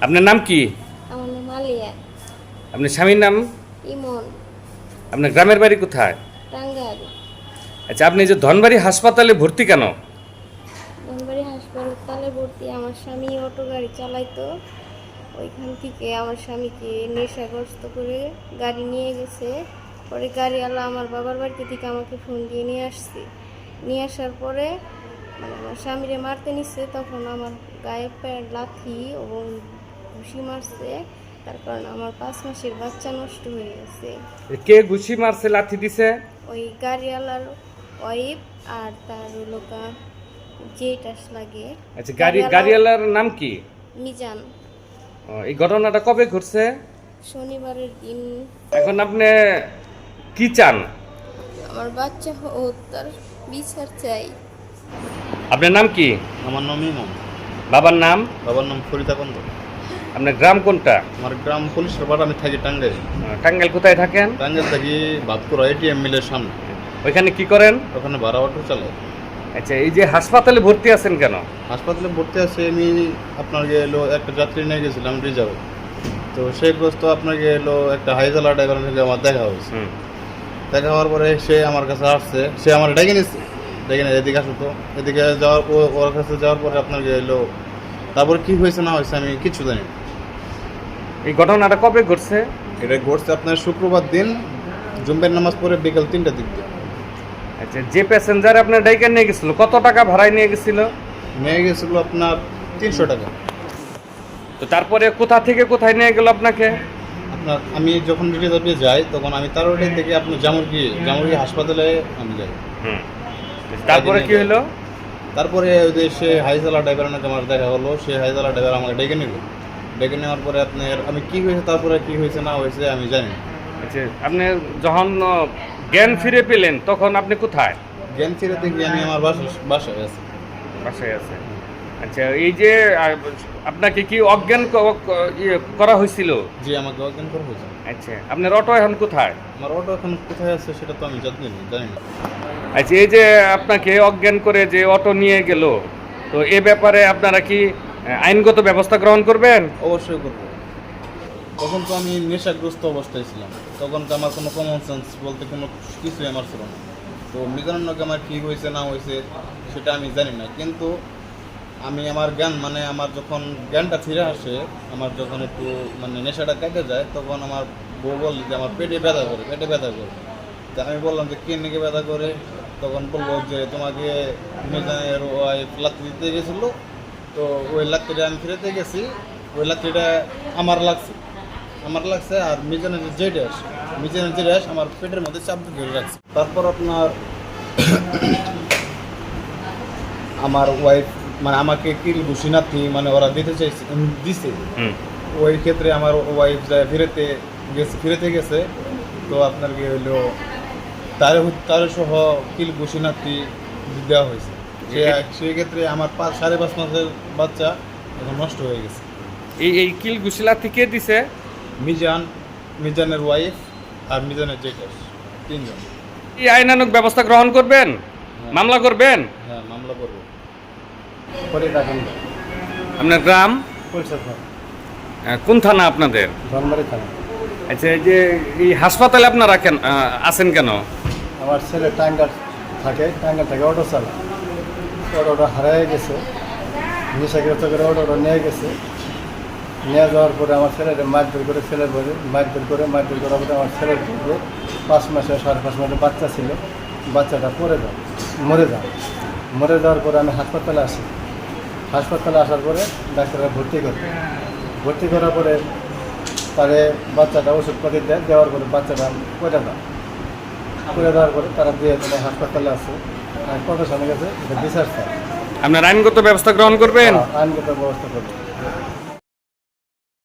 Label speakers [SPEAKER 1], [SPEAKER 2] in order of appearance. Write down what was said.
[SPEAKER 1] আপনার নাম কি?
[SPEAKER 2] আমার নাম আলিয়া।
[SPEAKER 1] আপনার স্বামীর নাম?
[SPEAKER 2] ইমন।
[SPEAKER 1] আপনার গ্রামের বাড়ি কোথায়?
[SPEAKER 2] টাঙ্গাইল।
[SPEAKER 1] আচ্ছা, আপনি যে ধনবাড়ি হাসপাতালে ভর্তি কেন?
[SPEAKER 2] ধনবাড়ি হাসপাতালে ভর্তি, আমার স্বামী অটো গাড়ি চালাইতো। ওইখান থেকে আমার স্বামীকে নেশাগ্রস্ত করে গাড়ি নিয়ে গেছে। পরে গাড়িওয়ালা আমার বাবার বাড়িতে থেকে আমাকে ফোন দিয়ে নিয়ে আসছি। নিয়ে আসার পরে আমার স্বামীরে মারতে নিচ্ছে, তখন আমার গায়ে প্যান্ট লাথি এবং ঘুষি মারছে। তার কারণে আমার 5 মাসের বাচ্চা নষ্ট হয়ে গেছে।
[SPEAKER 1] কে ঘুষি মারছে, লাথি দিছে?
[SPEAKER 2] ওই গাড়িওয়ালার ওয়াইফ আর তার লোকা জেটাস লাগে।
[SPEAKER 1] আচ্ছা, গাড়িওয়ালার নাম কি?
[SPEAKER 2] মিজান।
[SPEAKER 1] এই ঘটনাটা কবে ঘটছে?
[SPEAKER 2] শনিবারের দিন।
[SPEAKER 1] এখন আপনি কি চান?
[SPEAKER 2] আমার বাচ্চা হত্যার বিচার চাই।
[SPEAKER 1] আপনার নাম কি?
[SPEAKER 3] আমার নাম ইমন।
[SPEAKER 1] বাবার নাম?
[SPEAKER 3] বাবার নাম ফরিদা কন্দ।
[SPEAKER 1] আপনার গ্রাম কোনটা?
[SPEAKER 3] আমার গ্রাম পুলিশের বাড়ি, আমি থাকি টাঙ্গাইল।
[SPEAKER 1] টাঙ্গাইল কোথায় থাকেন?
[SPEAKER 3] টাঙ্গাইল থাকি ভাতপুরা এটিএম মিলের সামনে।
[SPEAKER 1] ওইখানে কি করেন?
[SPEAKER 3] ওখানে ভাড়া অটো চালাই।
[SPEAKER 1] আচ্ছা, এই যে হাসপাতালে ভর্তি আছেন কেন?
[SPEAKER 3] হাসপাতালে ভর্তি আছে, আমি আপনাকে এলো একটা যাত্রী নিয়ে গেছিলাম রিজার্ভে। তো সেই গ্রস্ত আপনাকে এলো একটা হাইজালা ড্রাইভারের সঙ্গে আমার দেখা হয়েছে। দেখা হওয়ার পরে সে আমার কাছে আসছে, সে আমার ডেকে নিচ্ছে, ডেকে নিয়ে এদিকে আসো। তো এদিকে যাওয়ার ওর কাছে যাওয়ার পরে আপনাকে এলো, তারপরে কী হয়েছে না হয়েছে আমি কিচ্ছু জানি না।
[SPEAKER 1] এই ঘটনাটা কবে ঘটছে?
[SPEAKER 3] এটা ঘটছে আপনার শুক্রবার দিন জুম্বের নামাজ পড়ে বিকেল 3টার দিক দিয়ে।
[SPEAKER 1] আচ্ছা, যে প্যাসেঞ্জার আপনার ডাইকার নিয়ে গেছিল কত টাকা ভাড়ায় নিয়ে গেছিল?
[SPEAKER 3] নিয়ে গেছিল আপনার 300 টাকা।
[SPEAKER 1] তো তারপরে কোথা থেকে কোথায় নিয়ে গেল আপনাকে?
[SPEAKER 3] আপনার আমি যখন রিজার্ভে যাই তখন আমি তারওয়াড়ি থেকে আপনার জামুরগি হাসপাতালে আমি যাই।
[SPEAKER 1] তারপরে কি হলো?
[SPEAKER 3] তারপরে ওই যে সে হাইজালা ড্রাইভার নাকি আমার দেখা হলো, সে হাইজালা ড্রাইভার আমাকে ডেকে নিল। ডেকে নেওয়ার পরে আপনার আমি কি হয়েছে, তারপরে কি হয়েছে না হয়েছে আমি জানি না।
[SPEAKER 1] আচ্ছা, আপনি যখন জ্ঞান ফিরে পেলেন তখন আপনি কোথায়?
[SPEAKER 3] জ্ঞান ফিরে গিয়ে আমি আমার বাসায় আছি।
[SPEAKER 1] বাসায় আছে। আচ্ছা, এই যে আপনাকে কি অজ্ঞান করা হয়েছিল?
[SPEAKER 3] জি, আমাকে অজ্ঞান করা হয়েছে।
[SPEAKER 1] আচ্ছা, আপনার অটো এখন কোথায়?
[SPEAKER 3] আমার অটো এখন কোথায় আছে সেটা তো আমি জানি না।
[SPEAKER 1] আচ্ছা, এই যে আপনাকে অজ্ঞান করে যে অটো নিয়ে গেল, তো এ ব্যাপারে আপনারা কি আইনগত ব্যবস্থা গ্রহণ করবেন?
[SPEAKER 3] অবশ্যই করবো। তখন তো আমি নেশাগ্রস্ত অবস্থায় ছিলাম, তখন তো আমার কোনো কমন সেন্স বলতে কোনো কিছুই আমার ছিল না। তো মিজানুরকে আমার কী হয়েছে না হয়েছে সেটা আমি জানি না, কিন্তু আমি আমার জ্ঞান মানে আমার যখন জ্ঞানটা ফিরে আসে, আমার যখন একটু মানে নেশাটা কেটে যায়, তখন আমার বউ বলল যে আমার পেটে ব্যথা করে। তা আমি বললাম যে কে নাকি ব্যথা করে? তখন বললো যে তোমাকে মিজানের ওয়াইফ লাত্তি দিতে গেছিলো, তো ওই লাত্তিটা আমি ফিরেতে গেছি, ওই লাত্তিটা আমার লাগছে আর মিজানের যে ড্যাশ আমার পেটের মধ্যে চাপ ধরে রাখছে। তারপর আপনার আমার ওয়াইফ মানে আমাকে কিল ঘুষিনাথি মানে ওরা দিছে। ওই ক্ষেত্রে আমার ওয়াইফ যায় ফিরেতে গেছে। তো আপনার কি হইলো তার সহ কিল ঘুষিনাথি দেওয়া হয়েছে। সেই ক্ষেত্রে আমার 5.5 মাসের বাচ্চা এখন নষ্ট হয়ে গেছে।
[SPEAKER 1] এই কিল ঘুষিলাথি কে দিছে?
[SPEAKER 3] মিজানের ওয়াইফ আর মিজানের জেঠাস, 3 জন।
[SPEAKER 1] এই আইনানুগ ব্যবস্থা গ্রহণ করবেন? মামলা করবেন?
[SPEAKER 3] হ্যাঁ, মামলা করবো।
[SPEAKER 1] আপনার গ্রাম কোন থানা আপনাদের?
[SPEAKER 4] ধনবাড়ি থানা।
[SPEAKER 1] আচ্ছা, এই যে এই হাসপাতালে আপনারা আছেন কেন?
[SPEAKER 4] আমার ছেলে টাঙ্গাইল থেকে অটো চালায়। অটোটা হারিয়ে গেছে, নেশাগ্রস্ত করে অটোটা নিয়ে গেছে। নিয়ে যাওয়ার পরে আমার ছেলের মারধর করে মারধর করার পরে আমার ছেলের 5 মাসে 5.5 মাসের বাচ্চা ছিল। বাচ্চাটা মরে যাওয়ার পরে আমি হাসপাতালে আসি। হাসপাতালে আসার পরে ডাক্তাররা ভর্তি করার পরে তারে বাচ্চাটা ওষুধপাতি দেওয়ার পরে বাচ্চাটা করে দেওয়ার পরে তারা দিয়ে হাসপাতালে আসে। আমি প্রশাসনের কাছে এটা বিচার চাই।
[SPEAKER 1] আপনার আইনগত ব্যবস্থা গ্রহণ করবেন?
[SPEAKER 4] আইনগত ব্যবস্থা করবেন।